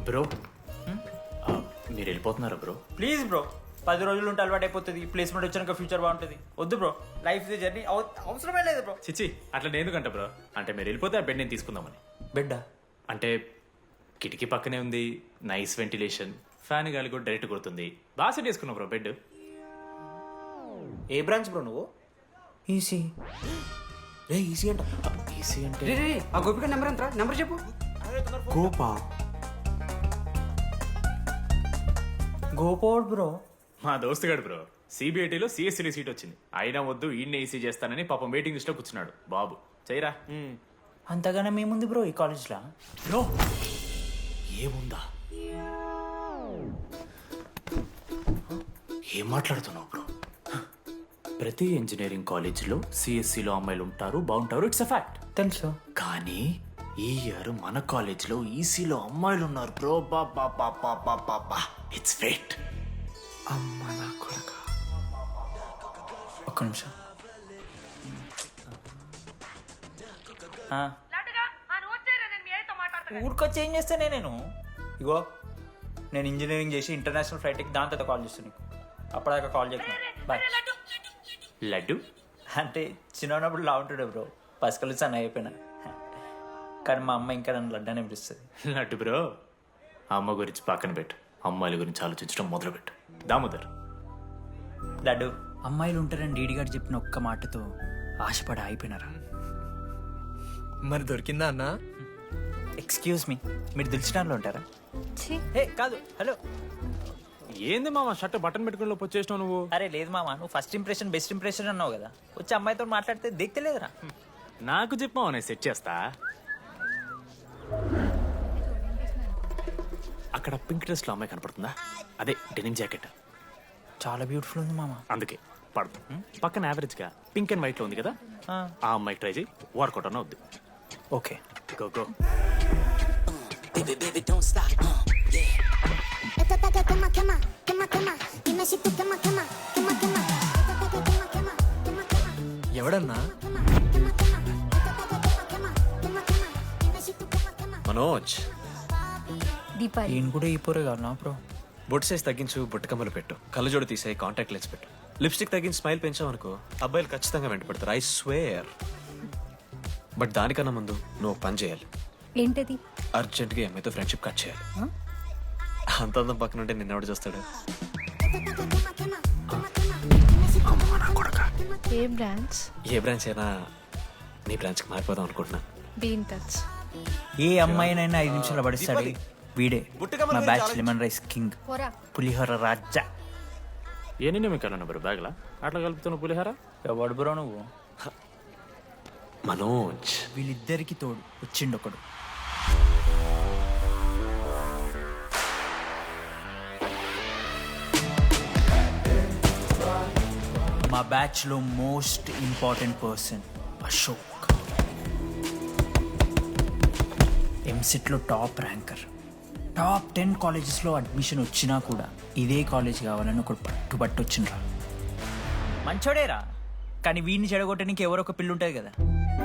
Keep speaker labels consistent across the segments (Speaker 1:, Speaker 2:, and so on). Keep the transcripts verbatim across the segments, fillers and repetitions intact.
Speaker 1: Bro మీరు వెళ్ళిపోతున్నారా bro?
Speaker 2: Please bro, పది రోజులు ఉంటే అలవాటు అయిపోతుంది. ప్లేస్మెంట్ వచ్చాక ఫ్యూచర్ బాగుంటుంది. వద్దు బ్రో, లైఫ్ జర్నీ అవసరమే లేదు బ్రో.
Speaker 1: చిచ్చి అట్లా నేను ఎందుకంట బ్రో? అంటే మీరు వెళ్ళిపోతే ఆ బెడ్ నేను తీసుకుందామని.
Speaker 2: బెడ్డా?
Speaker 1: అంటే కిటికీ పక్కనే ఉంది, నైస్ వెంటిలేషన్, ఫ్యాన్ గాలి కూడా డైరెక్ట్ కొడుతుంది. బాగా సెట్ చేసుకున్నావు బ్రో బెడ్.
Speaker 2: ఏ బ్రాంచ్ బ్రో నువ్వు?
Speaker 3: ఈసీ. రే ఈసీ అంట.
Speaker 1: ఈసీ అంటే
Speaker 3: రే రే ఆ గోపిక నెంబర్ ఎంత? నెంబర్ చెప్పు. గోపా
Speaker 2: గోపోడ్ బ్రో.
Speaker 1: మా దోస్తుగాడు బ్రో సిబిఐటీలో సిఎస్సీ సీట్ వచ్చింది. అయినా వద్దు ఈయన్నే ఈసీ చేస్తానని పాపం వెయిటింగ్ లిస్ట్ లో కూర్చున్నాడు. బాబు చేయరా.
Speaker 2: అంతగానే మేముంది బ్రో ఈ కాలేజ్లో.
Speaker 1: బ్రో ఏముందా? ఏం మాట్లాడుతున్నావు బ్రో? ప్రతి ఇంజనీరింగ్ కాలేజీలో సిఎస్సిలో అమ్మాయిలు ఉంటారు, బాగుంటారు, ఇట్స్ అ ఫ్యాక్ట్.
Speaker 2: తెలుసు.
Speaker 1: కానీ ఈ ఇయర్ మన కాలేజీలో ఈసీలో అమ్మాయిలు ఉన్నారు బ్రో. బాబా బాబా బాబా ఇట్స్ ఫేట్.
Speaker 3: అమ్మ నా కొడక.
Speaker 2: ఒక్క నిమిషం. ఊరికొచ్చి ఏం చేస్తానే నేను? ఇగో నేను ఇంజనీరింగ్ చేసి ఇంటర్నేషనల్ ఫ్లైట్కి దాని తర్వాత కాల్ చేస్తాను నీకు. అప్పటిదాకా కాల్ చేస్తాను. బాయ్.
Speaker 1: లడ్డు
Speaker 2: అంటే చిన్నప్పుడు లా ఉంటాడు బ్రో, పసుకలు సన్న అయిపోయినా. కానీ మా అమ్మ ఇంకా నన్ను లడ్డు అని పిలుస్తుంది.
Speaker 1: లడ్డు బ్రో అమ్మ గురించి పక్కన పెట్టు, అమ్మాయిల గురించి ఆలోచించడం మొదలుపెట్టు. దామోదర్
Speaker 2: లడ్డు, అమ్మాయిలు ఉంటారని డీడీ గారు చెప్పిన ఒక్క మాటతో ఆశపడి అయిపోయినారా?
Speaker 3: మరి దొరికిందా అన్న?
Speaker 2: ఎక్స్క్యూజ్ మీ, మీరు దిల్చినాలో ఉంటారా? ఏ కాదు, హలో.
Speaker 1: ఏంది మామ షర్ట్ బటన్ పెట్టుకుని లోపు వచ్చేసినావు నువ్వు?
Speaker 2: అరే లేదు మామ, నువ్వు ఫస్ట్ ఇంప్రెషన్ బెస్ట్ ఇంప్రెషన్ అన్నావు కదా, వచ్చి అమ్మాయితో మాట్లాడితే దిక్తలేదురా.
Speaker 1: నాకు చెప్పావు నేను సెట్ చేస్తా. అక్కడ పింక్ డ్రెస్ లో అమ్మాయి కనపడుతుందా? అదే డెనిమ్ జాకెట్.
Speaker 2: చాలా బ్యూటిఫుల్ ఉంది మామ.
Speaker 1: అందుకే పడదు. పక్కన యావరేజ్ గా పింక్ అండ్ వైట్ లో ఉంది కదా, ఆ అమ్మాయి ట్రై చేయి. వర్కౌట్ అన్న వద్దు.
Speaker 2: Okay
Speaker 1: go go.
Speaker 4: Baby, baby, don't stop, uh, yeah. Esta taca quema, quema, quema, quema. Dime si tú quema, quema, quema, quema. Esta taca quema, quema, quema, quema.
Speaker 3: ఎవడన్నా?
Speaker 4: Quema, quema, quema. Esta taca quema, quema, quema, quema. Dime si tú quema, quema.
Speaker 3: Manoj,
Speaker 5: Deepali
Speaker 2: ఈయన కూడా ఈ పోరే కాదు నా bro.
Speaker 3: బొట్టు size తగ్గించు, బుట్ట కమ్మలు పెట్టు, కళ్ళజోడు తీసేయి, కాంటాక్ట్ లెన్స్ పెట్టు, లిప్స్టిక్ తగ్గించి స్మైల్ పెంచావనుకో అబ్బాయిలు ఖచ్చితంగా వెంట పెడతారు. I swear. బట్ దానికన్నా ముందు నువ్వు ఒక పని చేయాలి.
Speaker 5: ఏంటది?
Speaker 3: అర్జెంట్గా ఎంఐతో ఫ్రెండ్షిప్ కట్ చేయాలి. అంత అందం పక్కన ఉంటే నిన్నెవడు చూస్తాడు?
Speaker 4: Esta taca quema, quema, quema, quema. Dime si tú
Speaker 3: అమ్మా నా కొడక.
Speaker 5: ఏ బ్రాంచ్?
Speaker 3: ఏ బ్రాంచ్ అయినా నీ బ్రాంచ్కి మారిపోదాం అనుకుంటున్నా.
Speaker 5: Be in touch.
Speaker 2: ఏ అమ్మాయినైనా ఐదు నిమిషాలు పడిస్తాడు వీడే. మా బ్యాచ్ లెమన్ రైస్ కింగ్,
Speaker 5: పోరా.
Speaker 2: పులిహోర రాజా.
Speaker 1: ఏ నిన్న మీకు వెళ్ళను బ్రో బ్యాగ్లా అట్లా కలుపుతున్న పులిహార.
Speaker 2: ఎవడు బ్రో నువ్వు?
Speaker 3: మనోజ్,
Speaker 2: వీళ్ళిద్దరికి తోడు వచ్చిండు ఒకడు. మా బ్యాచ్ లో most important person Ashok. EAMCET లో top ranker. Top ten colleges లో అడ్మిషన్ వచ్చినా కూడా ఇదే కాలేజ్ కావాలని ఒకడు పట్టుబట్టు వచ్చిండ్రా. మంచోడేరా, కానీ వీడిని చెడగొట్టడానికి ఎవరో ఒక పిల్లు ఉంటుంది కదా.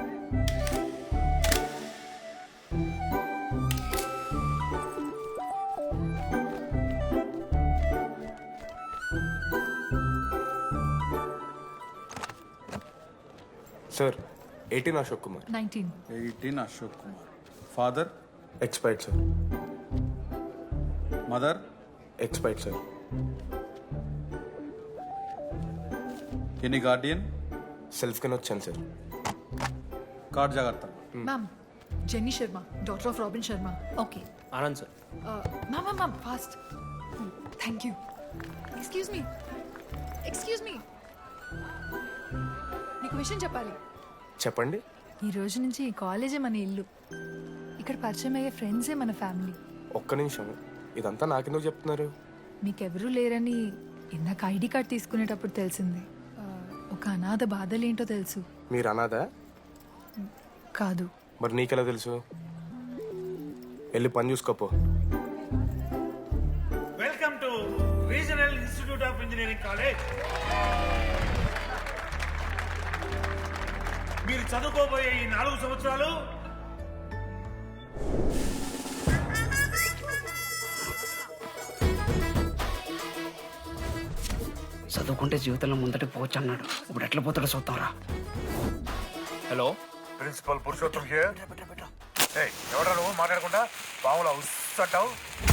Speaker 6: Sir, eighteen Ashok Kumar.
Speaker 5: Nineteen.
Speaker 7: eighteen Ashok Kumar. Father,
Speaker 6: Expired, sir.
Speaker 7: mother,
Speaker 6: Expired, sir.
Speaker 7: any guardian,
Speaker 6: Self కింద వచ్చాను సార్.
Speaker 7: card జాగ్రత్త.
Speaker 8: Ma'am, Jenny Sharma, daughter of Robin Sharma.
Speaker 5: Okay.
Speaker 3: Anand sir.
Speaker 8: Uh, ma'am, ma'am, ma'am, fast. Hmm, Thank you. Excuse me. Excuse me. నీకు విషయం చెప్పాలి.
Speaker 6: చెప్పండి.
Speaker 8: ఈ రోజు నుంచి ఈ కాలేజే మన ఇల్లు. ఇక్కడ పరిచయం అయ్యే ఫ్రెండ్సే మన ఫ్యామిలీ.
Speaker 6: ఒక్క నిమిషం, ఇదంతా నాకెందుకు చెప్తున్నారు?
Speaker 8: మీకెవరూ లేరని ఇందాక ఐడి కార్డ్ తీసుకునేటప్పుడు తెలిసింది. ఆ, ఒక అనాథ బాధలేంటో తెలుసు.
Speaker 6: మీరు అనాదా?
Speaker 8: కాదు.
Speaker 6: మరి నీకెలా తెలుసు? వెళ్ళి పని చూసుకోపో.
Speaker 9: Welcome to regional institute of engineering college. మీరు చదువుకోబోయే ఈ నాలుగు సంవత్సరాలు
Speaker 10: చదువుకుంటే జీవితంలో ముందటి పోవచ్చు అన్నాడు. ఇప్పుడు ఎట్లా పోతాడో చూద్దాంరా.
Speaker 2: Hello
Speaker 9: principal Purushottam here. ఏయ్, ఎవడ్రా నువ్వు మాట్లాడకుండా పాములా ఉస్సంటావు?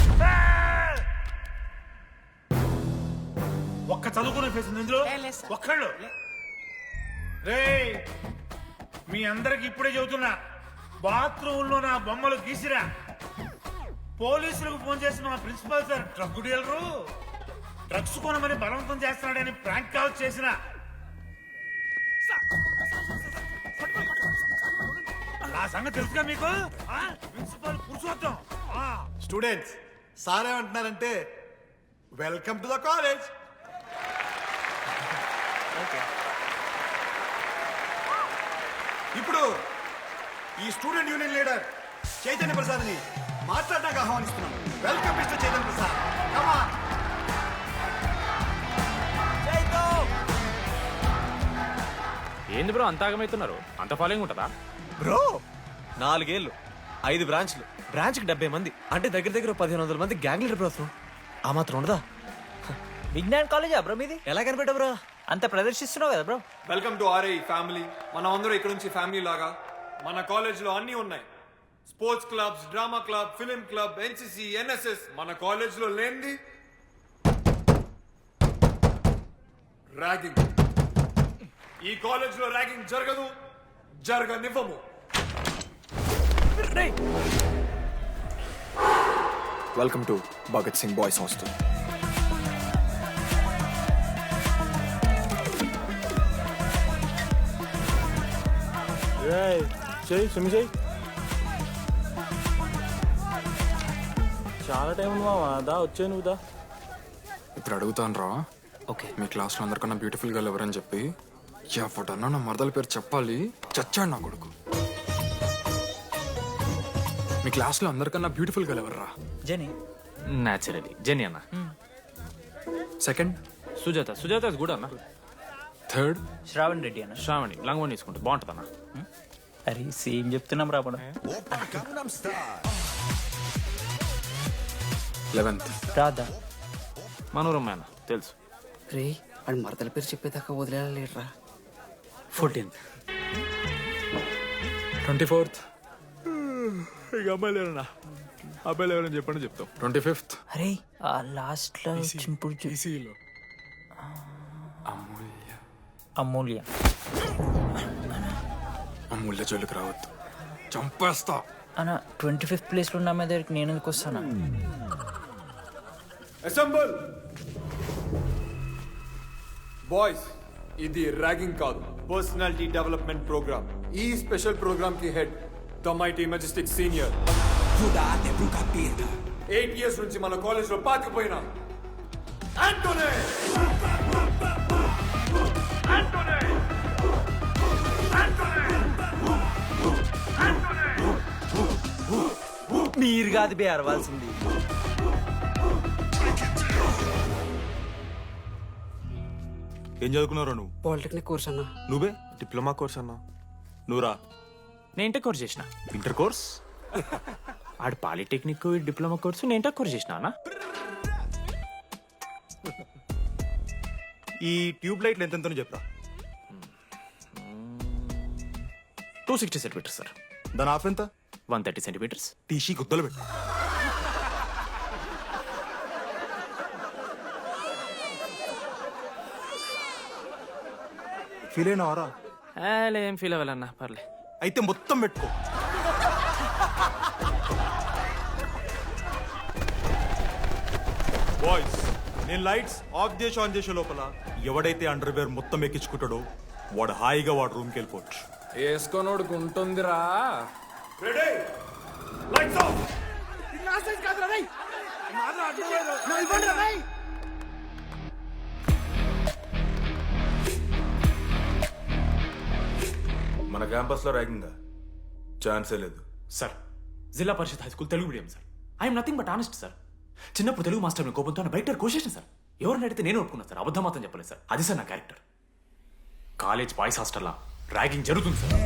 Speaker 9: ఒక్క చదువుకునే ఫేస్ ఉంది ఇందులో, ఒక్కళ్ళు. రేయ్, మీ అందరికి ఇప్పుడే చెబుతున్నా, బాత్రూంలో నా బొమ్మలు గీసిరా. పోలీసులకు ఫోన్ చేసిన మా principal sir drug dealer drugs కొనమని బలవంతం చేస్తున్నాడని ప్రాంక్ కాల్ చేసిన. నా సంగతి తెలుసుగా మీకు? ఆ? ప్రిన్సిపల్ పురుషోత్తం. ఆ.
Speaker 11: స్టూడెంట్స్, సార్ ఏమంటున్నారంటే వెల్కమ్ టు ద కాలేజ్. ఇప్పుడు ఈ స్టూడెంట్ యూనియన్ లీడర్ చైతన్య ప్రసాద్ని మాట్లాడడానికి ఆహ్వానిస్తున్నాను. Welcome mister Chaitanya Prasad. Come on.
Speaker 1: ఏంది బ్రో అంత ఆగమవుతున్నారు? అంత ఫాలోయింగ్ ఉంటుందా?
Speaker 3: బ్రో నాలుగేళ్ళు, ఐదు బ్రాంచ్లు, బ్రాంచ్కి డెబ్బై మంది అంటే దగ్గర దగ్గర పదిహేను వందల మంది గ్యాంగ్ లీడర్ బ్రో. అసలు ఆ మాత్రం ఉండదా?
Speaker 2: విజ్ఞాన్ కాలేజా బ్రో మీది?
Speaker 3: ఎలా కనిపెట్టా బ్రో?
Speaker 2: అంత ప్రదర్శిస్తున్నావు కదా bro.
Speaker 12: Welcome to RI family. మనం అందరూ ఇక్కడ నుంచి ఫ్యామిలీ లాగా. మన కాలేజ్లో అన్నీ ఉన్నాయి. Sports clubs, drama club, film club, NCC, NSS. మన కాలేజ్లో లేనిది ర్యాగింగ్. ఈ కాలేజ్లో ర్యాగింగ్ జరగదు, జరగనివ్వము.
Speaker 6: Welcome to Bhagat Singh boys hostel.
Speaker 7: చెయ్యి స్విమ్ చెయ్యి. చాలా టైం ఉంది మామా, దా వచ్చే నువ్వు దా.
Speaker 6: ఇప్పుడు అడుగుతాను రా.
Speaker 2: ఓకే.
Speaker 6: మీ క్లాస్లో అందరికన్నా బ్యూటిఫుల్ గర్ల్ ఎవరని చెప్పి ఎవడన్నా నా మరదల పేరు చెప్పాలి. చచ్చాడు నా కొడుకు. మీ క్లాస్లో అందరికన్నా బ్యూటిఫుల్ గర్ల్ ఎవర్రా?
Speaker 2: జని.
Speaker 1: న్యాచురలీ జెనీ అన్న.
Speaker 6: Second
Speaker 1: Sujatha. Sujatha is good అన్న.
Speaker 6: థర్డ్
Speaker 2: శ్రావణ్ రెడ్డి అన్న.
Speaker 1: శ్రావణి లంగ్ వన్ తీసుకుంటే బాగుంటుంది అన్న.
Speaker 2: అరే సేమ్ చెప్తున్నాం రాపడం.
Speaker 6: లెవెన్త్
Speaker 2: రాధా.
Speaker 1: మనోరమ్మ అన్న తెలుసు.
Speaker 10: రే అని మరదల పేరు చెప్పేదాకా వదిలేరా.
Speaker 2: ఫోర్టీన్త్.
Speaker 6: ట్వంటీ ఫోర్త్
Speaker 1: ఇక అమ్మాయిలు ఎవరన్నా అబ్బాయిలు ఎవరని చెప్పండి చెప్తాం.
Speaker 6: ట్వంటీ ఫిఫ్త్
Speaker 2: అరే ఆ లాస్ట్ లో వచ్చినప్పుడు చూ-
Speaker 6: అమూల్య.
Speaker 2: అమూల్య.
Speaker 6: అమూల్య జోలికి రావద్దు, చంపేస్తా.
Speaker 2: అన్న ట్వంటీ ఫిఫ్త్ ప్లేస్ లో ఉన్న అమ్మాయి దగ్గరికి నేను ఎందుకు వస్తానా?
Speaker 12: Assemble boys. ఇది ర్యాగింగ్ కాదు, పర్సనాలిటీ డెవలప్మెంట్ ప్రోగ్రామ్. ఈ స్పెషల్ ప్రోగ్రామ్ కి head the mighty majestic senior. Eight years నుంచి మన కాలేజ్ లో పాతిపోయినా ఆంటోనీ. ఆంటోనీ!
Speaker 2: మీరు కాదు బే అరవాల్సింది.
Speaker 11: ఏం చదువుకున్నారా నువ్వు?
Speaker 10: పాలిటెక్నిక్ కోర్స్ అన్నా.
Speaker 11: నువ్వే డిప్లొమా కోర్స్ అన్నా. నువ్వురా
Speaker 1: నేను ఇంటర్ కోర్స్ చేసిన.
Speaker 11: Inter course.
Speaker 1: ఆడు పాలిటెక్నిక్ డిప్లొమా కోర్సు, నేను ఇంటర్ కోర్స్ చేసిన అన్న.
Speaker 11: ఈ ట్యూబ్ లైట్లు ఎంతెంతనో చెప్పరా.
Speaker 1: Two sixty centimetres sir.
Speaker 11: దాని ఆఫ్ ఎంత?
Speaker 1: One thirty centimetres.
Speaker 11: టీసీ గుద్దలు పెట్టు. ఫీల్ అయినావారా?
Speaker 1: ఏం ఫీల్ అవ్వాలన్నా పర్లే.
Speaker 11: అయితే మొత్తం పెట్టుకో. బాయ్స్, నేను లైట్స్ ఆఫ్ చేసి ఆన్ చేసే లోపల ఎవడైతే అండర్వేర్ మొత్తం ఎక్కించుకుంటాడో వాడు హాయిగా వాడు రూమ్కి వెళ్ళిపోవచ్చు.
Speaker 6: వేసుకోనోడుకు ఉంటుందిరా.
Speaker 12: Ready, lights off.
Speaker 11: మన క్యాంపస్ లో ర్యాగింగ్ ఛాన్సే లేదు
Speaker 1: sir. Zilla Parishad high school Telugu medium sir. I'm nothing but honest sir. చిన్నప్పుడు తెలుగు మాస్టర్ కోపంతో బయట కోసేసిన సార్. ఎవరిని అడిగితే నేను ఒప్పుకున్నాను సార్. అబద్ధం మాత్రం చెప్పలేదు సార్. అది సార్ నా క్యారెక్టర్. కాలేజ్ బాయ్స్ హాస్టల్లా ర్యాగింగ్ జరుగుతుంది సార్.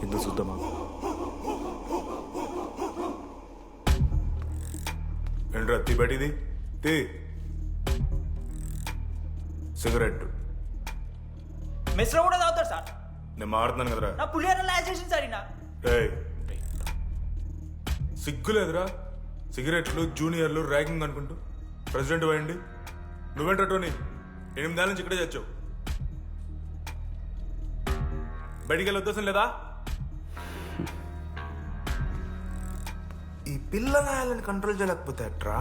Speaker 13: ముందు చూద్దామా? ఏంట్రా తీ బయటిది తీ. సిగరెట్
Speaker 2: మెస్లో కూడా తాగుతారు సార్.
Speaker 13: నేను మాడుతున్నాను కదరా.
Speaker 2: నా పులిహోర లాస్ట్ చేసింది సార్ ఈయన.
Speaker 13: రేయ్, సిగ్గులేదురా? సిగరెట్లు జూనియర్లు ర్యాగింగ్ అనుకుంటూ ప్రెసిడెంట్ పోయండి. నువ్వేంట్రా టోనీ, ఎనిమిదేళ్ళ నుంచి ఇక్కడే చచ్చావు. బయటికి వెళ్ళే ఉద్దేశం లేదా? ఈ పిల్లగాయలను కంట్రోల్ చేయలేకపోతే అట్రా.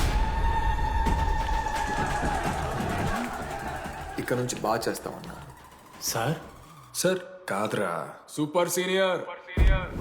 Speaker 6: ఇక్కడ నుంచి బాగా చేస్తామన్నా.
Speaker 1: సార్
Speaker 6: సార్ కాదురా, సూపర్ సీనియర్.